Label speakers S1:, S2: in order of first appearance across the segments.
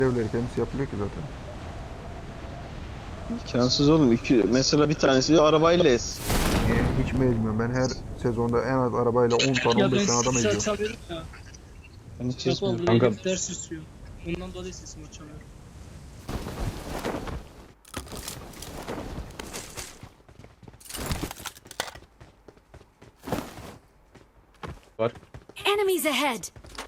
S1: Evleri kendisi yapılıyor ki zaten.
S2: İmkansız oğlum. Mesela bir tanesi arabayla ez.
S1: Hiç mi ezmiyorum? Ben her sezonda en az arabayla 10 tane
S3: Ya
S1: 15
S3: ben
S1: tane adam
S3: sesi
S1: eziyorum.
S3: açamıyorum ya.
S2: Ben hiç
S3: Yapalım
S2: ezmiyorum.
S3: buraya
S4: Kanka.
S3: gidip ders istiyor. Ondan dolayı sesimi açamıyorum.
S4: Var.
S5: Enemies ahead!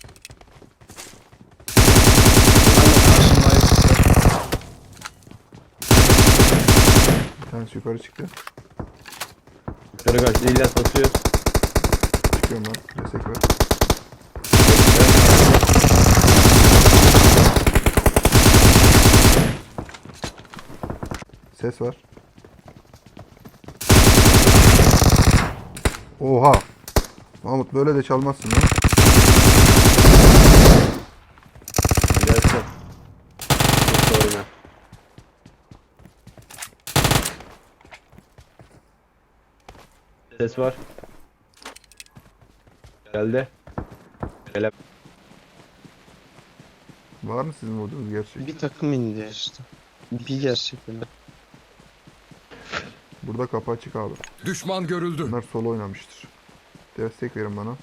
S1: Bir tanesi yukarı çıktı.
S4: Yukarı kaçtı. İlyas basıyor.
S1: Çıkıyorum ben. Destek ver. Ses var. Oha! Mahmut böyle de çalmazsın lan.
S4: İlyas yok. Çok oyna. Ses var. Geldi. Gele.
S1: Var mı sizin vurduğunuz gerçek?
S2: Bir takım indi işte. Bir gerçekten.
S1: Burada kapı açık abi.
S6: Düşman görüldü.
S1: Bunlar solo oynamıştır. Destek verin bana.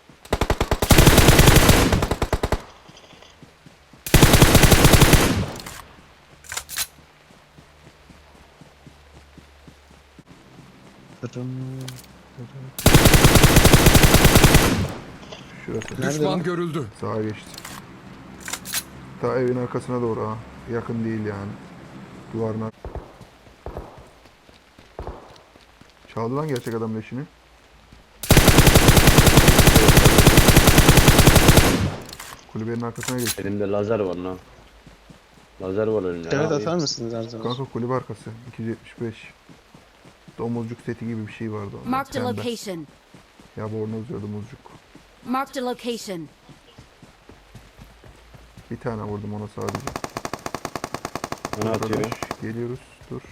S1: Şurası.
S2: Nerede
S6: Düşman
S2: lan?
S6: görüldü.
S1: Sağa geçti. Ta evin arkasına doğru ha. Yakın değil yani. Duvarına. Çaldı lan gerçek adam leşini. Kulübenin arkasına geçti.
S4: Elimde lazer var lan. Lazer var elimde.
S2: Evet
S4: Abi.
S2: atar mısınız her zaman?
S1: Kanka kulübe arkası. 275. Domuzcuk seti gibi bir şey vardı onda.
S5: Marked a
S1: Pembe.
S5: location.
S1: Ya bornoz ya domuzcuk.
S5: Marked a location.
S1: Bir tane vurdum ona sadece.
S4: Bana atıyor.
S1: Arkadaş, geliyoruz. Dur.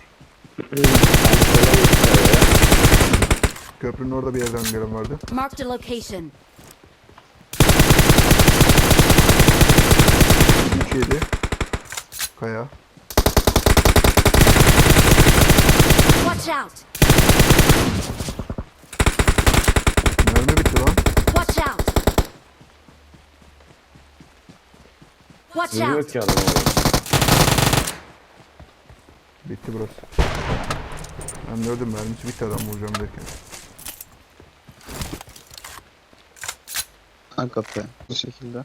S1: Köprünün orada bir yerden gelen vardı.
S5: Marked a location.
S1: 3-7. Kaya.
S5: Watch out!
S1: Mermi bitti lan.
S5: Watch out! Watch
S4: Vuruyor
S5: out!
S4: ki adam.
S1: Bitti burası. Ben gördüm mermisi bitti adam vuracağım derken.
S2: Kanka be. Bu şekilde.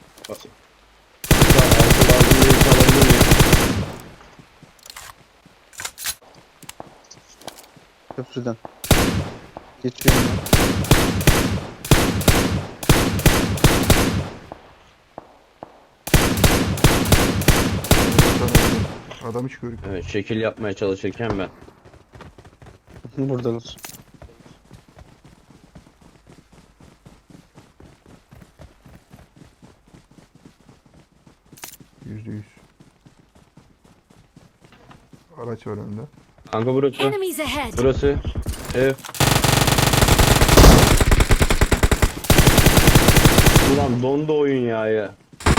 S2: Köprüden. Geçiyorum ben.
S1: Adam hiç görük.
S4: Evet, şekil yapmaya çalışırken ben.
S2: Buradalar.
S1: %100. Araç var önünde.
S4: Kanka burası.
S5: Enemies ahead!
S4: Burası. Ev. Ulan dondu oyun ya.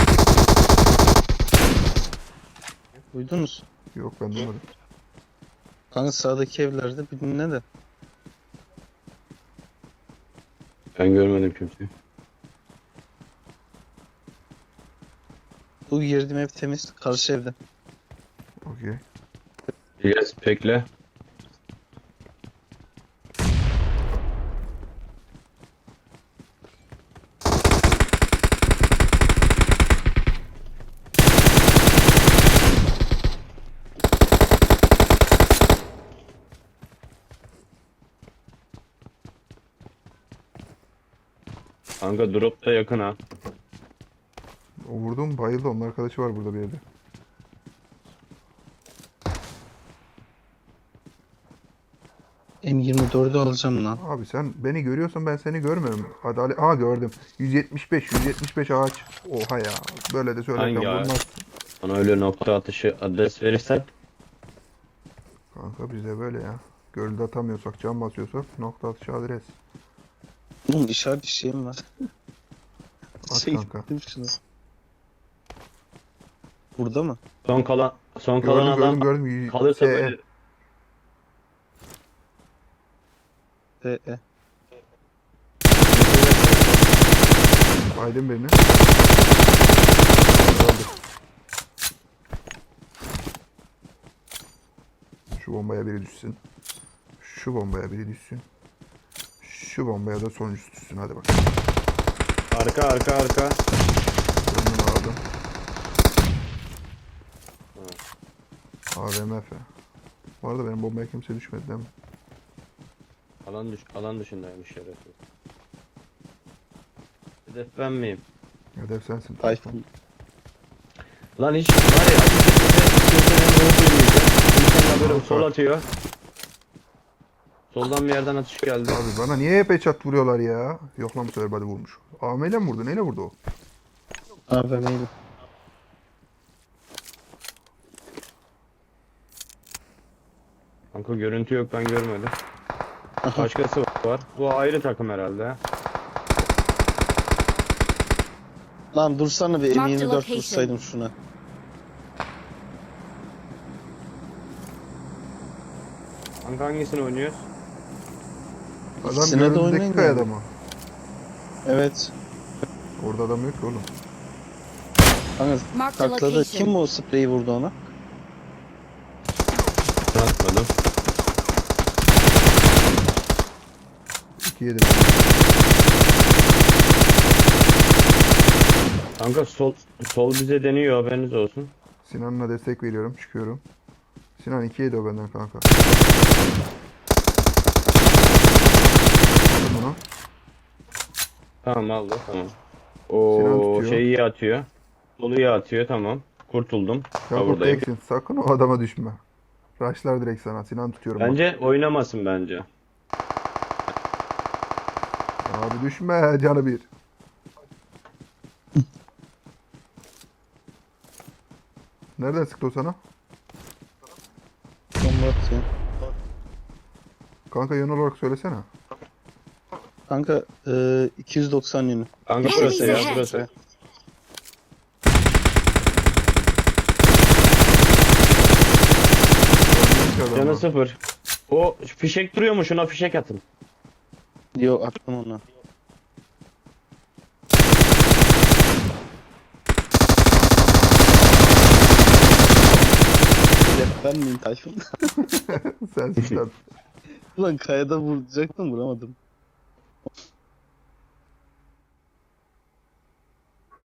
S2: Duydunuz?
S1: Yok ben duymadım.
S2: Kanka sağdaki evlerde birine de.
S4: Ben görmedim kimseyi.
S2: Bu girdiğim ev temiz. Karşı evde.
S1: Okey.
S4: İlyas bekle. Kanka drop da yakın ha.
S1: O vurdum bayıldı. Onun arkadaşı var burada bir yerde.
S2: M24'ü alacağım lan.
S1: Abi sen beni görüyorsan ben seni görmüyorum. Adalet. Aa gördüm. 175 ağaç. Oha ya. Böyle de söylerken
S4: Hangi ağaç?
S1: vurmaz.
S4: Bana öyle nokta atışı adres verirsen.
S1: Kanka bize böyle ya. Gölde atamıyorsak, cam basıyorsak nokta atışı adres.
S2: Oğlum işaret bir şeyim var.
S1: At
S2: Şey
S1: kanka.
S2: gittim şuna. Burada mı?
S4: Son kalan
S1: Gördüm
S4: adam
S1: gördüm.
S4: kalırsa
S1: Şey,
S4: böyle
S1: Aydın birini. Öldü. Şu bombaya biri düşsün. Şu bombaya biri düşsün. Şu bombaya da sonuncusu düşsün. Hadi bakalım.
S4: arka.
S1: Döndüm aldım. AVMF. Bu arada benim bombaya kimse düşmedi değil mi?
S4: Alan dışındaymış şerefsiz. Hedef ben miyim?
S1: Hedef sensin.
S2: Tayfun.
S4: Lan hiç var ya kimsenin ruhu duymayacak. Kimsenin haberi sol atıyor. Soldan bir yerden atış geldi.
S1: Abi bana niye hep headshot vuruyorlar ya? Yok lan bu sefer body vurmuş. AVM ile mi vurdu? Neyle vurdu o?
S2: AVM'ydi.
S4: Kanka görüntü yok, ben görmedim. Başkası var. Bu ayrı takım herhalde.
S2: Lan dursana bir
S5: Mark the
S2: M24
S5: location.
S2: vursaydım şuna.
S4: Kanka hangisini oynuyoruz?
S1: Adam
S2: İkisine de
S1: göründeki
S2: oynayın
S1: kayada
S2: yani.
S1: mı?
S2: Evet.
S1: Orada adam yok ki oğlum.
S2: Kanka
S5: Mark the
S2: takladı.
S5: location.
S2: Kim o spreyi vurdu ona?
S4: Atmadım.
S1: 2-7.
S4: Kanka sol bize deniyor, haberiniz olsun.
S1: Sinan'la destek veriyorum. Çıkıyorum. Sinan 2-7 o benden kanka. Aldım bunu.
S4: Tamam aldı, tamam.
S1: Sinan
S4: O
S1: tutuyor.
S4: şeyi iyi atıyor. Solu iyi atıyor, tamam. Kurtuldum.
S1: Kanka
S4: Buradayım.
S1: teksin. Sakın o adama düşme. Rushlar direkt sana. Sinan tutuyorum. bak.
S4: Bence oynamasın bence.
S1: Abi düşme canı bir. Nereden sıktı o sana?
S2: Bomba atıyor.
S1: Kanka yön olarak söylesene.
S2: Kanka 290 yönü.
S4: Kanka
S5: Enemies
S4: burası ya,
S5: ahead.
S4: burası.
S1: Görmüyorum ki adamı.
S4: Canı sıfır. O fişek duruyor mu? Şuna fişek atın.
S2: Yo attım ona. Ben miyim Tayfun?
S1: Sensin sen.
S2: Ulan kayada vuracaktım vuramadım.